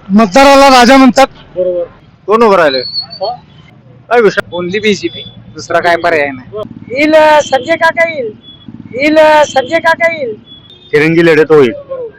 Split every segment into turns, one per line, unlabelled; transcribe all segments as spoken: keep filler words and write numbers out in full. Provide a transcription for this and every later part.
मतदाराला राजा म्हणतात.
बरोबर.
कोण उभं राहिले
काय विषय?
ओनली बीजेपी, दुसरा काय पर्याय नाही.
येईल संजय काका येईल येईल संजय काका येईल.
तिरंगी लढत होईल.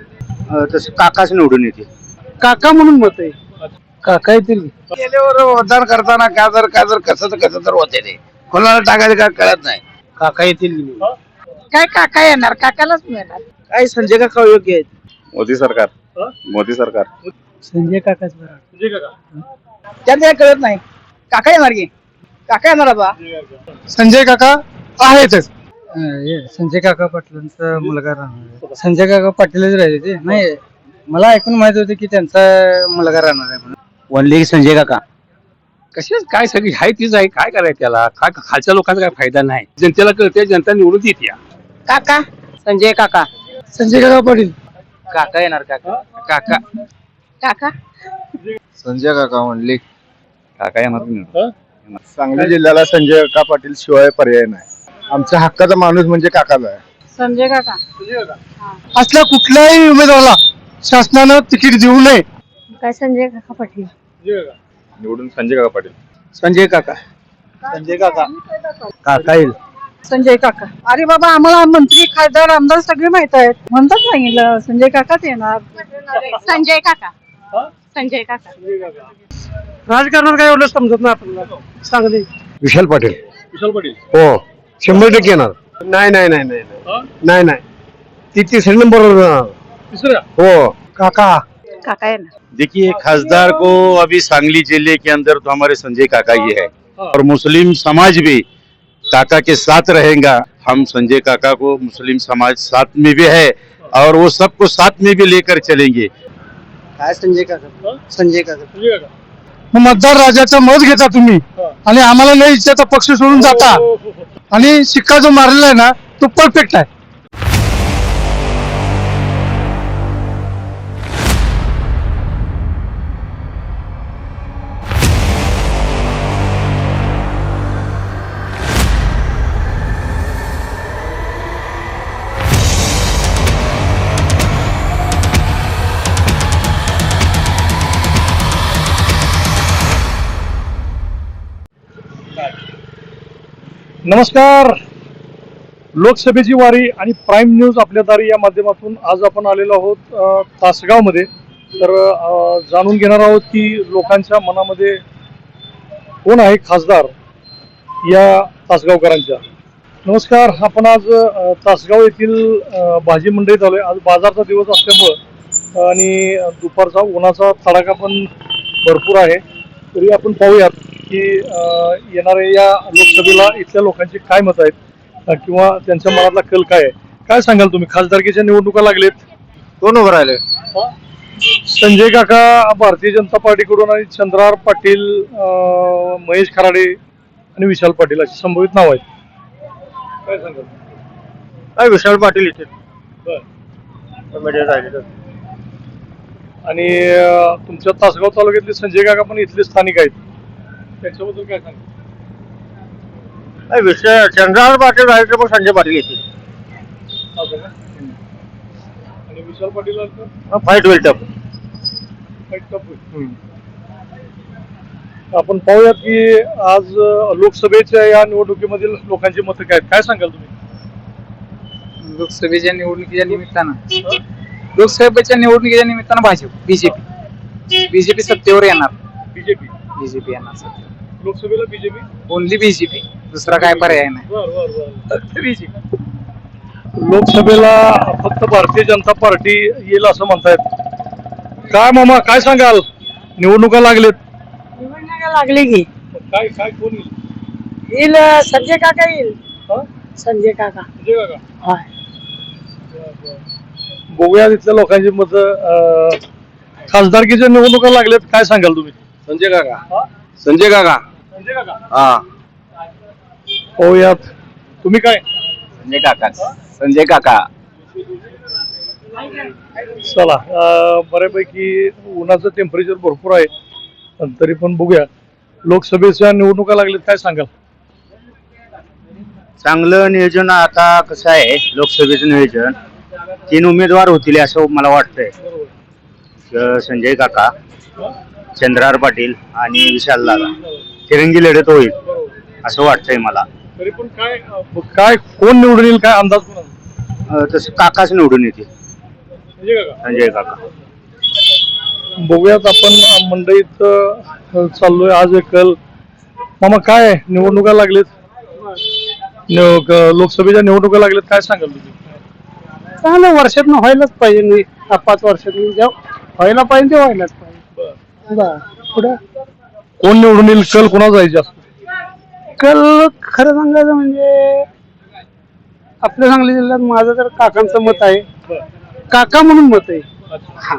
तसं काकाच निवडून येते.
काका म्हणून मत आहे. काका येतील.
गेल्यावर मतदान करताना काय जर काय जर कसं तर कसं तर होते ते कोणाला टाकायचं काय कळत नाही.
काका येतील.
काय काका येणार काकालाच मिळणार.
काय संजय काका योग्य आहेत.
मोदी सरकार मोदी सरकार
संजय काकाच बरं.
संजय काका.
त्यांना कळत नाही. काका येणार की काका येणार बा.
संजय काका आहेतच. संजय काका पाटलांचा मुलगा राहणार. संजय काका पाटीलच राहिले ते नाही. मला ऐकून माहित होते की त्यांचा मुलगा राहणार आहे म्हणून.
वनली संजय काका.
कशाच काय सगळी हाय तीच आहे. काय करायचं त्याला? काय खालच्या लोकांचा काय फायदा नाही. जनतेला कळते, जनता निवडून देते.
काका संजय काका
संजय काका पाटील.
काका येणार काका. काका
काका
संजय काका म्हणले
काका येणार.
सांगली जिल्ह्याला संजय काका पाटील शिवाय पर्याय नाही. आमच्या हक्काचा माणूस म्हणजे काकाच आहे.
संजय काका
असल्या कुठल्याही उमेदवाराला शासनानं तिकीट देऊ नये.
काय संजय काका पाटील.
निवडून संजय काका पाटील.
संजय काका. संजय काका. काका येईल.
संजय काका. अरे बाबा आम्हाला मंत्री खासदार आमदार सगळे माहित आहेत. म्हणतात सांगितलं संजय काकाच येणार. संजय काका संजय काका.
राजकारणात काय एवढं समजत नाही आपल्याला. सांगली.
विशाल पाटील.
विशाल पाटील.
हो शंभर टक्के येणार. नाही नाही नाही नाही नाही नाही ती तिसऱ्या नंबरवर.
तिसरा.
हो
काका.
काका येणार.
देखिए, खासदार को अभी सांगली जिले के अंदर तो हमारे संजय काका ही है और मुस्लिम समाज भी काका के साथ रहेगा। हम संजय काका को मुस्लिम समाज साथ में भी है और वो सबको साथ में भी लेकर चलेंगे।
काय संजय काका. संजय काका.
संजय काका.
मग मतदार राजाचं मत घेता तुम्ही आणि आम्हाला नाही इच्छाचा पक्ष सोडून जाता.
हो, हो, हो.
आणि शिक्का जो मारलेला आहे ना तो परफेक्ट आहे.
नमस्कार. लोकसभेची वारी आणि प्राईम न्यूज आपल्या दारी या माध्यमातून आज आपण आलेलो आहोत अ, तासगावमध्ये. तर अ, जाणून घेणार आहोत की लोकांच्या मनामध्ये कोण आहे खासदार या तासगावकरांच्या. नमस्कार. आपण आज अ, तासगाव येथील अ, भाजी मंडईत आलोय. आज बाजारचा दिवस असल्यामुळं आणि दुपारचा उन्हाचा तडाखा पण भरपूर आहे. तरी आपण पाहूयात की येणाऱ्या या लोकसभेला इथल्या लोकांची काय मत आहेत अ, किंवा त्यांच्या मनातला कल काय आहे. काय सांगाल तुम्ही? खासदारकीच्या निवडणुका लागलेत.
कोण उभं राहिले
संजय काका भारतीय जनता पार्टीकडून आणि चंद्रहार पाटील, अ, महेश खराडे आणि विशाल पाटील अशी संभवित नाव आहेत. काय सांगाल?
काय विशाल पाटील इथे.
आणि अ, तुमच्या तासगाव तालुक्यातले संजय काका पण इथले स्थानिक आहेत. त्याच्याबद्दल काय सांगाल?
काय विषय चंद्रहार पाटील राहिले तर मग संजय पाटील येते.
असं का? आणि विशाल पाटील
फाईट होईल टप.
आपण पाहूयात की आज अ, लोकसभेच्या या निवडणुकीमधील लोकांची मतं काय आहेत. काय सांगाल तुम्ही?
लोकसभेच्या निवडणुकीच्या निमित्तानं लोकसभेच्या निवडणुकीच्या निमित्तानं भाजप बीजेपी बीजेपी सत्तेवर येणार.
बीजेपी.
बीजेपी येणार सत्तेवर.
लोकसभेला बीजेपी.
ओनली बीजेपी, दुसरा काय पर्याय नाही.
बर बर बर बीजेपी. लोकसभेला फक्त भारतीय जनता पार्टी येईल असं म्हणतायत. काय मामा काय सांगाल? निवडणुका लागलेत.
निवडणुका लागली की
काय काय कोण येईल?
येईल संजय काका येईल.
हा?
संजय काका.
संजय काका.
होय.
बघूया तिथल्या लोकांची मत. खासदारकीच्या निवडणुका लागल्यात. काय सांगाल तुम्ही?
संजय काका.
हा?
संजय काका.
संजय काका.
हा
पाहूयात. तुम्ही काय?
संजय काका. संजय काका.
चला. अं, बऱ्यापैकी उन्हाचं टेम्परेचर भरपूर आहे पण तरी पण बघूया. लोकसभेच्या निवडणुका लागल्यात. काय सांगाल?
चांगलं नियोजन. आता कसं आहे लोकसभेचं नियोजन, तीन उमेदवार होतील असं मला वाटतंय
अ, संजय काका, चंद्रहार पाटील आणि विशाल दादा तिरंगी लढत होईल असं वाटतंय मला.
तरी पण काय अं, काय कोण निवडून येईल काय अंदाज कोणाचा?
अ, तसं काकाच निवडून येते,
संजय काका.
संजय काका.
बघूयात आपण अं, मंडईत अं, चाललोय आज एक कल. मामा काय निवडणुका लागलेत, निव- क- लोकसभेच्या निवडणुका लागलेत, काय सांगाल तुम्ही?
चांगलं वर्षात व्हायलाच पाहिजे नाही पाच वर्षात व्हायला पाहिजे ते व्हायलाच पाहिजे. पुढे
कोण निवडून येईल, कल कोणा जायचे असतो?
कल खरं सांगायचं म्हणजे आपल्या सांगली जिल्ह्यात माझं तर काकांचं मत आहे. काका म्हणून मत आहे. हा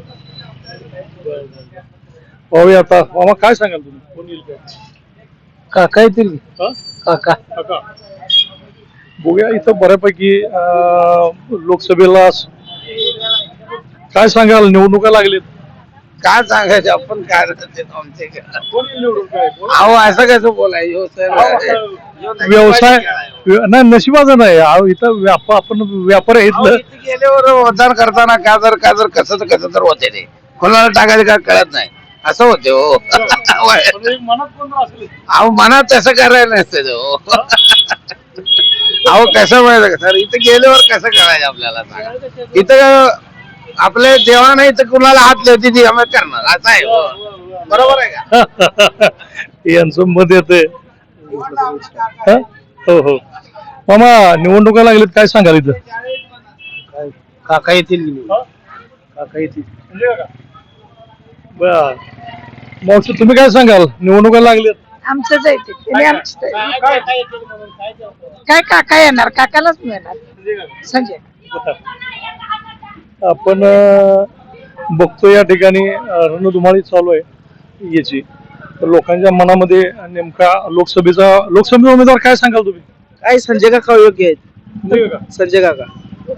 पाहूया आता. मामा काय सांगाल तुम्ही, कोण येईल काय?
काका येतील.
हा?
काका
काका. बघूया इथं बऱ्यापैकी अं, लोकसभेला स- काय सांगाल, निवडणुका लागलेत.
काय सांगायचं आपण काय आमचे
कोण येईल निवडून काय? कोण?
अहो असं कसं बोलायचं
व्यवसाय व्य- नाही नशिबाचं नाही अहो, इथं व्याप आपण व्यापार आहे इथलं.
गेल्यावर मतदान करताना का जर का जर कसं कसं तर होते ते कोणाला टाकायचं का कळत नाही असं होते हो.
पण एक मनात कोण असेल.
अहो मनात तसं करायला नसतं ते हो. अहो कसं माहिती का सर, इथं गेल्यावर कसं करायचं आपल्याला सांगा. इथं आपल्या देवा नाही तर कुणाला हात लावते ती आम्ही करणार असं आहे हो. बरोबर आहे का?
यांचं मत येते. हो हो मामा निवडणुका लागलेत, काय सांगाल इथं?
काका येतील.
काका येतील. बर मावशी तुम्ही काय सांगाल, निवडणुका लागलेत?
आमचंच आहे ते. त्याने आमचंच आहे. काय काका येणार, काकालाच मिळणार संजय.
आपण अं, बघतो या ठिकाणी अं, रणधुमाळी चालू आहे याची. तर लोकांच्या मनामध्ये नेमका लोकसभेचा लोकसभेचा उमेदवार काय सांगाल तुम्ही?
काय संजय काका योग्य आहेत. संजय काका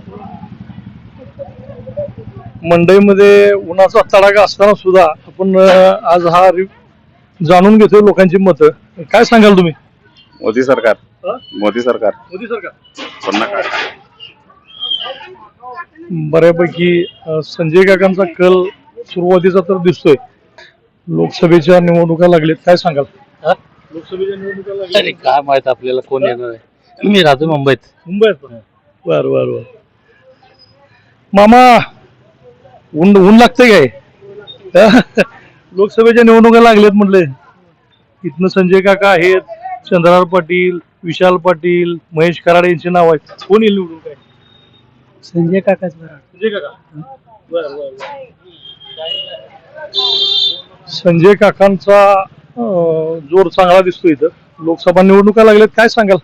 मंडईमध्ये उन्हाचा तडाखा असताना सुद्धा आपण अं, आज हा रि- जाणून घेतोय लोकांची मतं. काय सांगाल तुम्ही?
मोदी सरकार,
हा?
मोदी सरकार,
मोदी सरकार.
पुन्हा काय?
बऱ्यापैकी अं, संजय काकांचा कल सुरुवातीचा तर दिसतोय. लोकसभेच्या निवडणुका लागलेत, काय सांगाल? लोकसभेच्या निवडणुका
अरे
लागलेत
काय माहित आपल्याला कोण येणार आहे. मी राहतो मुंबईत.
मुंबईत. बर बर बर मामा ऊन ऊन लागतंय काय? लोकसभेच्या निवडणुका लागलेत म्हटले. इथनं संजय काका आहेत, चंद्रहार पाटील, विशाल पाटील, महेश कराडे यांची नाव आहेत. कोण येईल निवडून काय?
संजय काकाच बरं.
संजय काका. बर बर संजय काकांचा अं, जोर चांगला दिसतो इथं. लोकसभा निवडणुका लागल्यात, काय सांगाल?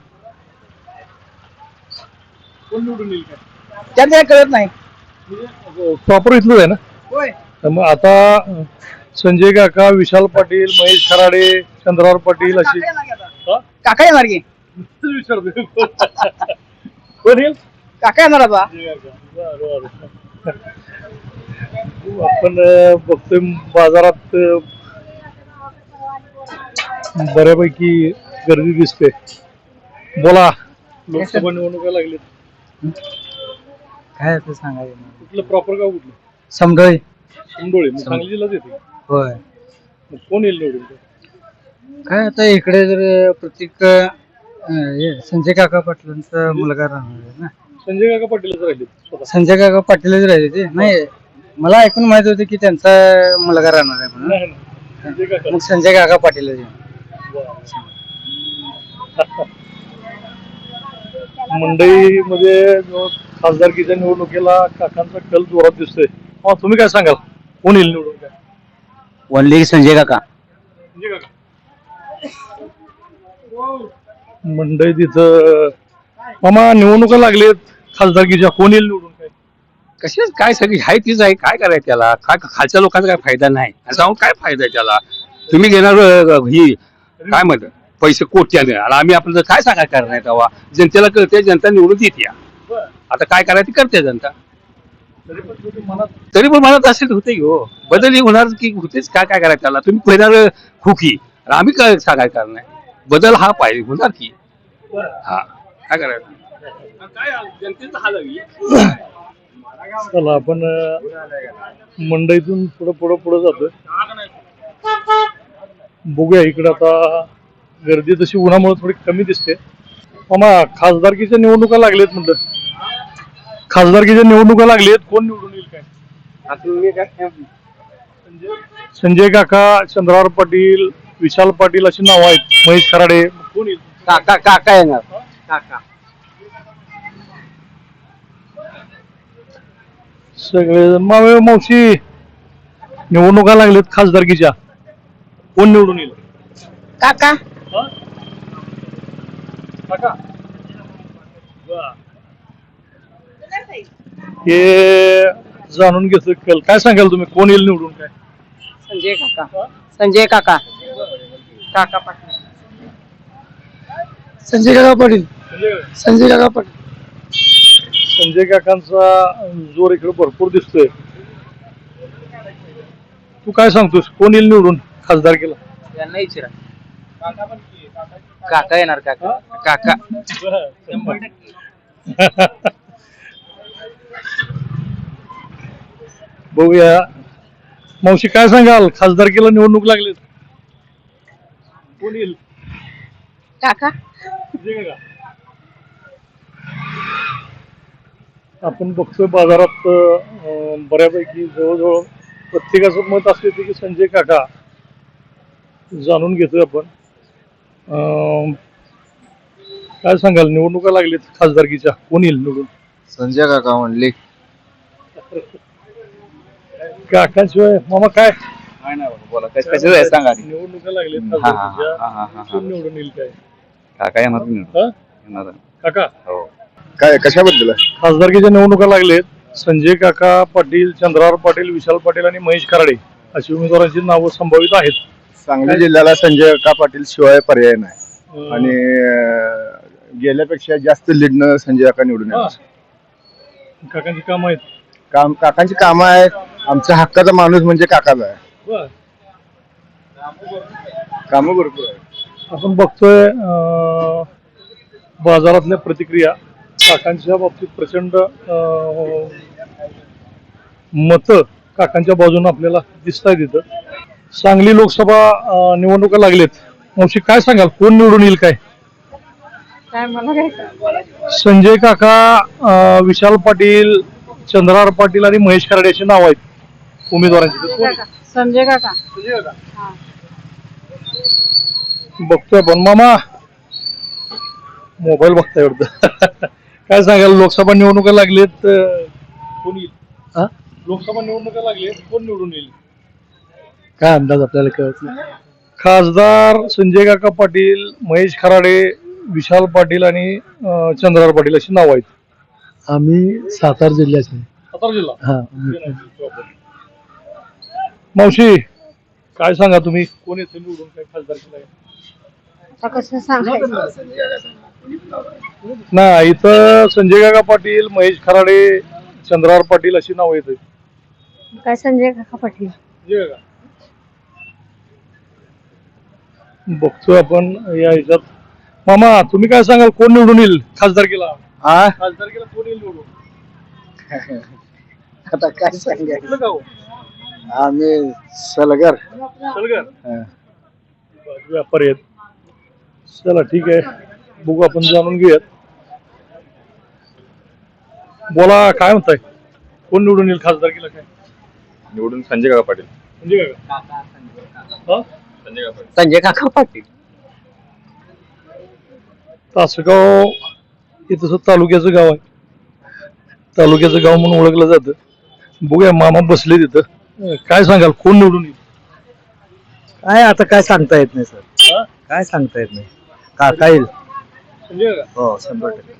कोण निवडून येईल काय?
त्यांना कळत नाही.
प्रॉपर इथलंच आहे ना?
होय.
तर मग आता अं, संजय काका, विशाल पाटील, महेश खराडे, चंद्रहार पाटील अशी. हा?
काका येणार की
विचारतो. कोण येईल?
काका येणार बा.
बरं, बरं. आपण अं, बघतोय बाजारात अं, बऱ्यापैकी गर्दी दिसते. बोला, लोकसभा निवडणुका लागली.
काय ते सांगायचं
कुठलं प्रॉपर गाव कुठलं?
समडोळी.
शिंदोळे. मग सांगली जिल्ह्यात येते.
होय.
मग कोण येईल निवडून?
काय आता इकडे जर प्रत्येक अं, हे संजय काका पाटलांचा मुलगा राहणार आहे ना.
संजय काका पाटीलच राहिले स्वतः.
संजय काका पाटीलच राहिले ते नाही. मला ऐकून माहित होतं की त्यांचा मुलगा राहणार आहे म्हणून.
नाही, नाही. संजय काका.
मग संजय काका पाटीलच येणार.
मंडईमध्ये जो खासदारकीच्या निवडणुकीला काकांचा कल जोरात दिसतोय. हा, तुम्ही काय सांगाल, कोण येईल निवडून काय?
वनली संजय काका.
संजय काका. मंडईत इथं मामा निवडणुका लागलेत खासदारकीच्या, कोण येईल निवडून काय?
कशाच काय सगळी आहे तीच आहे. काय करायचं त्याला, काय खालच्या लोकांचा काय फायदा नाही. आणि जाऊन काय फायदा आहे त्याला. तुम्ही घेणार अं, ही काय म्हणतात पैसे कोट्याने, आणि आम्ही आपलं काय सांगाय करणार नाही तेव्हा. जनतेला कळते, जनता निवडून देते. आता काय करायचं ते करते जनता.
तरी पण तुम्ही मनात
तरी पण मला असेल होते हो, बदल होणार की होतेच. काय काय करायचं त्याला. तुम्ही घेणार खुकी, आणि आम्ही काय सांगाय करणार. बदल हा पाहिजे होणार की. हा काय करायचं. काय जनतेचा हाल आहे.
चला आपण अं, मंडईतून पुढं पुढं पुढं जातोय. बघूया इकडे आता गर्दी तशी उन्हामुळे थोडी कमी दिसते. मामा खासदारकीच्या निवडणुका लागलेत म्हटलं. खासदारकीच्या निवडणुका लागलेत, कोण निवडून येईल काय? संजय काका, चंद्रावर पाटील, विशाल पाटील अशी नावं आहेत. महेश खराडे, कोण येईल?
काका काका येणार काका.
सगळे मावे मावशी निवडणुका लागलेत खासदारकीच्या, कोण निवडून येईल?
काका
हा? काका वा. हे जाणून घेतो कल काय सांगाल तुम्ही, कोण येईल निवडून काय?
संजय काका संजय काका काका पाटील संजय काका पाटील संजय काका पाटील.
संजय काकांचा जोर इकडे भरपूर दिसतोय. तू काय सांगतोस, कोण येईल निवडून खासदार केला?
यांना विचारा. काका येणार काका काका
बघूया मावशी काय सांगाल, खासदारकीला निवडणूक लागलीत, कोण येईल?
काका
संजय काका. आपण बघतोय बाजारात अं, बऱ्यापैकी जवळजवळ प्रत्येकाचं मत असते की संजय काका. जाणून घेतोय आपण. अं, काय सांगाल, निवडणुका लागलीत खासदारकीच्या, कोण येईल निवडून?
संजय काका म्हणले.
काकांशिवाय मामा काय
बोला कसं सांगा.
निवडणुका लागलीत
हा, हा,
खासदारकीच्या,
हा, हा, हा,
कोण
हा.
निवडून येईल काय?
काका येणार की
हा?
येणार
काका
हो.
काय कशाबद्दल?
खासदारकीच्या निवडणुका लागलेत. संजय काका पाटील, चंद्रावर पाटील, विशाल पाटील आणि महेश खराडे अशी उमेदवारांची नावं संभावित आहेत.
सांगली जिल्ह्याला संजय काका पाटील शिवाय पर्याय नाही
अं,
आणि अं, गेल्यापेक्षा जास्त लीडनं संजय काका निवडून
हा.
येणार.
काकांची काम आहेत.
काम काकांची कामं आहेत. आमचा हक्काचा माणूस म्हणजे काकाचा आहे.
बर.
कामं भरपूर आहेत.
आपण बघतोय अं, बाजारातल्या प्रतिक्रिया काकांच्या बाबतीत प्रचंड मत काकांच्या बाजूने आपल्याला दिसत आहेत तिथं. सांगली लोकसभा अं, निवडणुका लागलेत. मावशी काय सांगाल, कोण निवडून येईल काय?
काय मला काय
संजय काका, अं, विशाल पाटील, चंद्रार पाटील आणि महेश खराडे अशी नाव आहेत उमेदवारांची. कोण येईल?
संजय काका
संजय काका.
हा.
बघतोय पण मामा मोबाईल बघताय वाटतं. काय सांगाल, लोकसभा निवडणुका लागलेत, अं, कोण येईल?
हा?
लोकसभा निवडणुका लागलेत, कोण निवडून येईल?
काय अंदाज आपल्याला कळत नाही.
खासदार संजय काका पाटील, महेश खराडे, विशाल पाटील आणि अं, चंद्रार पाटील अशी नाव आहेत.
आम्ही सातारा जिल्ह्याचे
सातारा जिल्हा.
हा.
मावशी काय सांगा तुम्ही, कोण येते निवडून काय खासदार केलाय?
आता कसं सांगायचं?
नाही, इथं संजय काका पाटील, महेश खराडे, चंद्रार पाटील अशी नाव येत.
काय संजय काका पाटील.
बघतोय आपण या ह्याच्यात. मामा तुम्ही काय सांगाल, कोण निवडून येईल खासदार केला?
हा
खासदार केला कोण येईल निवडून?
आता काय सांगायचं,
कुठलं गाव?
आम्ही सलगर.
सलगर. बरं, व्यापारी आहेत. चला ठीक आहे, बघू आपण जाणून घेऊयात. बोला काय म्हणताय, कोण निवडून येईल खासदार केला काय?
निवडून संजय काका पाटील.
म्हणजे काय हा?
संजय काका पाटील.
संजय काका पाटील.
तासगाव हे तसं तालुक्याचं गाव आहे. तालुक्याचं गाव म्हणून ओळखलं जातं. बघूया मामा बसले तिथं. अं, काय सांगाल, कोण निवडून येईल?
काय आता काय सांगता येत नाही सर,
हा?
काय सांगता येत नाही. काका येईल.
संजय काका.
हो शंभर टक्के.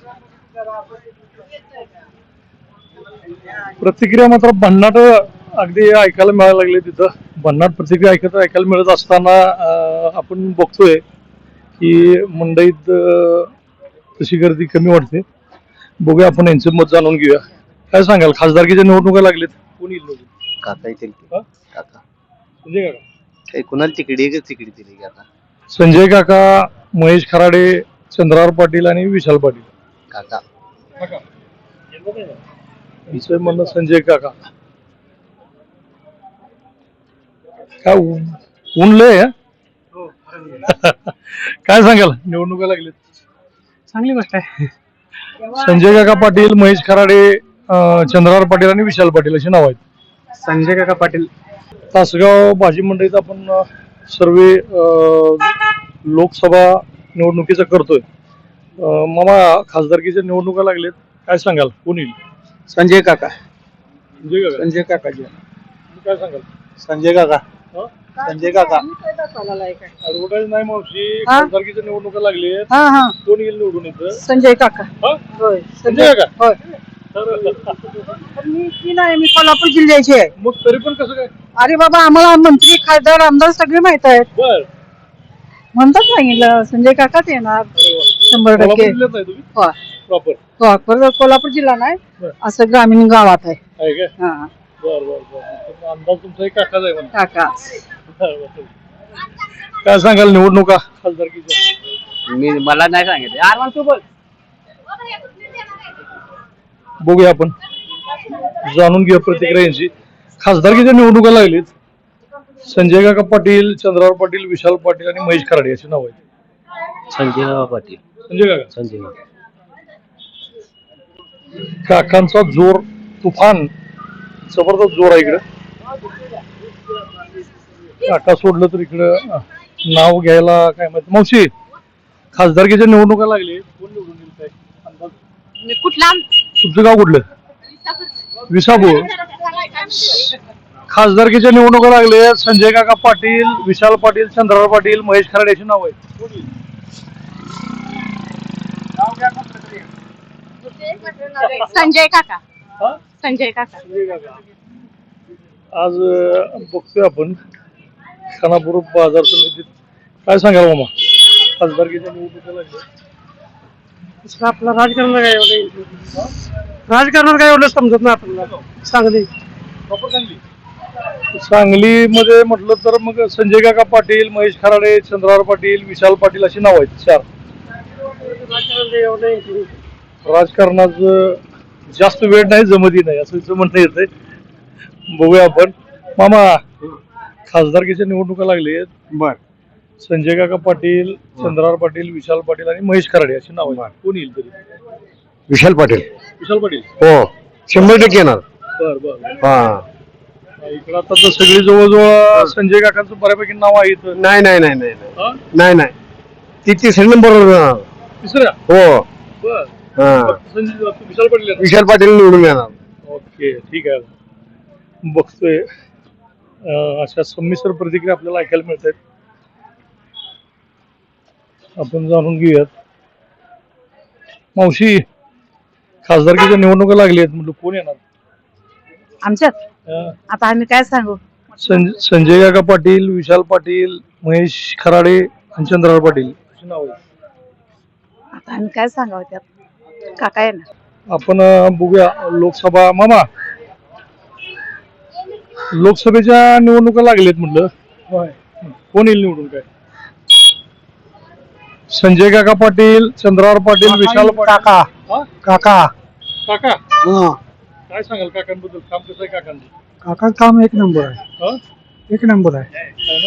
प्रतिक्रिया मात्र भन्नाट अगदी ऐकायला मिळायला लागले तिथं. भन्नाट प्रतिक्रिया ऐकत ऐकायला मिळत असताना अं, आपण बघतोय की मंडईत अं, तशी गर्दी कमी वाटते. बघूया आपण यांचं मत जाणून घेऊया. काय सांगाल, खासदारकीच्या निवडणुका लागलेत, कोण येईल निवडून?
काका येतील.
हा?
काका
संजय काका.
काही कुणाला तिकडी आहे का तिकडी दिली की आता?
संजय काका, महेश खराडे, चंद्रार पाटील आणि विशाल पाटील.
काका.
हिचं म्हणणं संजय काका. काय ऊन ऊन लय आहे? काय सांगाल निवडणुका लागलेत?
चांगली गोष्ट आहे.
संजय काका पाटील, महेश खराडे, अं, चंद्रहार पाटील आणि विशाल पाटील अशी नाव आहेत.
संजय काका पाटील.
तासगाव भाजी मंडईत आपण अं, सर्वे अं, लोकसभा निवडणुकीचा करतोय. अं, मामा खासदारकीच्या निवडणुका लागलेत, काय सांगाल कोण येईल?
संजय काका.
संजय काका.
संजय काकाजी.
तुम्ही काय सांगाल?
संजय काका.
हं?
संजय काका.
ऍडव्हर्टाईज नाही मावशी,
हा?
खासदारकीच्या निवडणुका लागलेत,
हा हा
कोण येईल निवडून इथं?
संजय काका.
हं?
होय
संजय काका.
होय.
तर
पण मी ती नाही, मी कोल्हापूर जिल्ह्याची आहे.
मग तरी पण कसं काय?
अरे बाबा आम्हाला मंत्री खासदार आमदार सगळे माहित आहेत.
बर
म्हणतात सांगितलं संजय काकाच येणार शंभर टक्के.
कोल्हापूर जिल्ह्यात नाही तुम्ही
होय.
प्रॉपर
हो, पर कोल्हापूर जिल्हा नाही,
बर.
असं ग्रामीण गावात आहे.
आहे काय?
हा
बर बर बर तर अंदाज तुमचा एक काकाच आहे म्हणा.
काका.
बरं, बरं. काय सांगाल निवडणुका खासदारकीच्या?
मी मला नाही सांगितलं.
बघूया आपण, जाणून घेऊया प्रतिक्रिया यांची. खासदारकीच्या निवडणुका लागलीत. संजय काका पाटील, चंद्रहार पाटील, विशाल पाटील आणि महेश खराडे अशी नाव आहेत.
संजय पाटील.
संजय काका.
संजय काका.
काकांचा जोर, तुफान जबरदस्त जोर आहे इकडं. काका सोडलं तर इकडं अं, नाव घ्यायला काय माहिती. मावशी खासदारकीच्या निवडणुका लागली, कोण निवडून येईल काय अंदाज?
कुठला?
तुमचं गाव कुठलं? विसापूर. खासदारकीच्या निवडणुका लागले, संजय काका पाटील, विशाल पाटील, चंद्रहार पाटील, महेश खराडे अशी नाव आहेत. कोण येईल?
संजय काका.
हा?
संजय काका.
संजय काका. आज अं, बघतोय आपण खानापूर बाजार समितीत. काय सांगाल मामा खासदारकीच्या निवडणुका लागल्या?
आपलं राजकारण काय एवढं राजकारण काय एवढं समजत नाही आपल्याला. चांगली.
सांगलीमध्ये म्हटलं तर मग संजय काका पाटील, महेश खराडे, चंद्रहार पाटील, विशाल पाटील अशी नाव आहेत. चार. राजकारणाचं जास्त वेळ नाही, जमती नाही असं म्हणणं येतंय. बघूया आपण. मामा खासदारकीच्या निवडणुका लागली आहेत.
बर.
संजय काका पाटील, चंद्रहार पाटील, विशाल पाटील आणि महेश खराडे अशी नाव आहेत. कोण येईल तरी?
विशाल पाटील.
विशाल पाटील.
हो, शंभर टक्के येणार.
बर बर.
हा.
इकडं आता तर सगळी जवळजवळ संजय काकांचं बऱ्यापैकी नाव आहे इथं.
नाही नाही नाही नाही नाही.
हा?
नाही नाही ती तिसऱ्या नंबरवर येणार.
तिसऱ्या.
हो.
बर.
हा.
संजय विशाल पाटील येणार.
विशाल पाटील निवडून येणार.
ओके ठीक आहे. बघतोय अं, अशा संमिश्र प्रतिक्रिया आपल्याला ऐकायला मिळत आहेत. आपण जाणून घेऊयात. मावशी खासदारकीच्या निवडणुका लागली आहेत, म्हटलं कोण येणार?
आमच्यात
अं,
आता आम्ही काय सांगू?
सं- संजय काका पाटील, विशाल पाटील, महेश खराडे आणि चंद्रहार पाटील अशी नाव आहेत.
आता आम्ही काय सांगावं त्यात? काका येणार.
आपण अं, बघूया लोकसभा. मामा लोकसभेच्या निवडणुका लागलेत म्हटलं, कोण येईल निवडून काय? संजय काका पाटील, चंद्रहार पाटील, विशाल पाटील.
काका.
हा?
काका.
काका
हा.
काय सांगाल काकांबद्दल? काम कसं आहे काकांचं?
काका काम एक नंबर आहे.
हा?
एक नंबर आहे.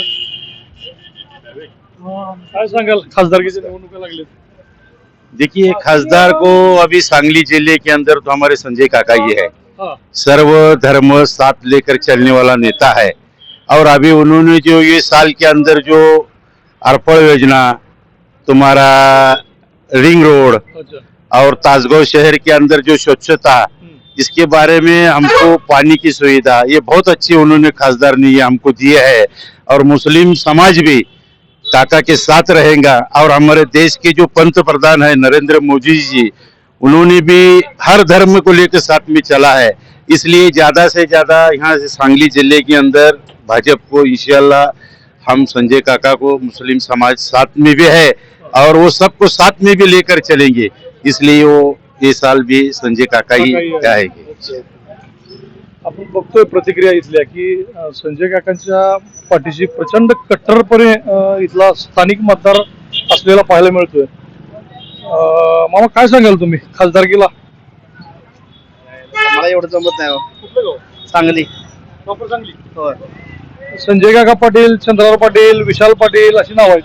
काय सांगाल खासदारकीच्या निवडणुका लागलेत?
देखिए खासदार को अभी सांगली जिले के अंदर तो हमारे संजय काका ही है।
हा.
सर्व धर्म साथ लेकर चलने वाला नेता है और अभी उन्होंने जो ये साल के अंदर जो अर्पण योजना, तुम्हारा रिंग रोड
अच्छा.
और ताजगांव शहर के अंदर जो स्वच्छता,
हम्म.
इसके बारे में हमको पानी की सुविधा ये बहुत अच्छी उन्होंने खासदार ने ये हमको दिए है और मुस्लिम समाज भी काका के साथ रहेगा और हमारे देश के जो पंत प्रधान है नरेंद्र मोदी जी, उन्होंने भी हर धर्म को लेकर साथ में चला है। इसलिए ज्यादा से ज्यादा यहाँ से सांगली जिले के अंदर भाजपा को इंशाल्लाह हम संजय काका को मुस्लिम समाज साथ में भी है और वो सबको साथ में भी लेकर चलेंगे, इसलिए वो ये साल भी संजय काका ही आएंगे।
आपण बघतोय प्रतिक्रिया इथल्या की अं, संजय काकांच्या पाठीशी प्रचंड कट्टरपणे अं, इथला स्थानिक मतदार असलेला पाहायला मिळतोय. अं, मामा काय सांगाल तुम्ही खासदारकीला?
मला मला एवढं जमत नाही हो.
कुठलं गाव?
सांगली
प्रॉपर सांगली.
होय.
संजय काका पाटील, चंद्रराव पाटील, विशाल पाटील अशी नाव आहेत.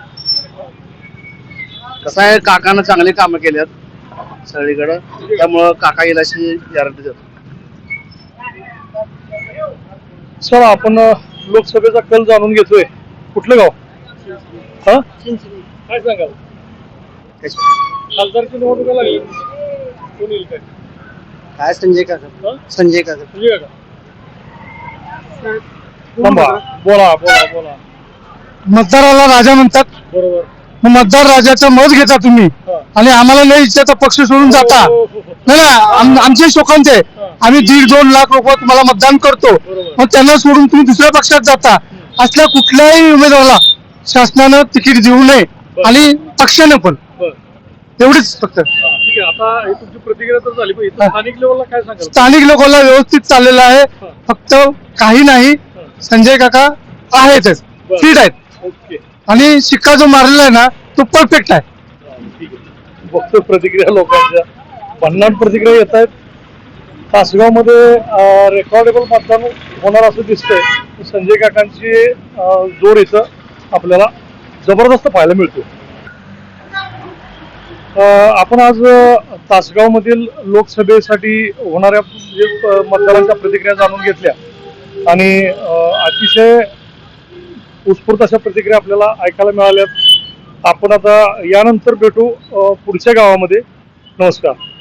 कसं आहे, काकानं चांगली कामं केल्यात सगळीकडं, त्यामुळं काका येईल अशी गॅरंटी देतो.
सर आपण अ, लोकसभेचा कल जाणून घेतोय. कुठलं गाव? हा काय सांगाल? खासदारची निवडणुका लागली, कोण येईल काय?
काय संजय काका
हा?
संजय काका
संजय काका. थांबा. बोला बोला बोला.
मतदाराला राजा म्हणतात.
बरोबर.
मग मतदार राजाचं मत घेता तुम्ही
हा.
आणि आम्हाला लय इच्छाचा पक्ष सोडून जाता.
हो, हो, हो.
नाही ना, आम- आमचे शोकांचे आम्ही दीड दोन लाख रुपये तुम्हाला मतदान करतो,
बरोबर.
मग त्यांना सोडून तुम्ही दुसऱ्या पक्षात जाता. असल्या कुठल्याही उमेदवाराला शासनानं तिकीट देऊ नये आणि पक्षानं पण.
बरं.
एवढीच फक्त.
हा, ठीक आहे. आता हे तुमची प्रतिक्रिया तर झाली, पण इथं
हा.
स्थानिक लेवलला काय सांगाल?
स्थानिक लोकांना व्यवस्थित चाललेलं आहे.
हा.
फक्त काही नाही, संजय काका आहेतच,
बरं.
फिट आहेत
ओके.
आणि शिक्का जो मारलेला आहे ना तो परफेक्ट आहे.
हा, ठीक आहे. बघतो प्रतिक्रिया लोकांच्या. भन्नाट प्रतिक्रिया येत आहेत. तासगाव मध्ये रेकॉर्डेबल मतदान होणार असं दिसतंय. संजय काकांची अं, जोर इथं आपल्याला जबरदस्त पाहायला मिळतो. अं, आपण आज तासगाव मधील लोकसभेसाठी होणाऱ्या जे, अं, मतदारांच्या प्रतिक्रिया जाणून घेतल्या आणि अं, अतिशय उत्स्फूर्त अशा प्रतिक्रिया आपल्याला ऐकायला मिळाल्यात. आपण आता यानंतर भेटू अं, पुढच्या गावामध्ये. नमस्कार.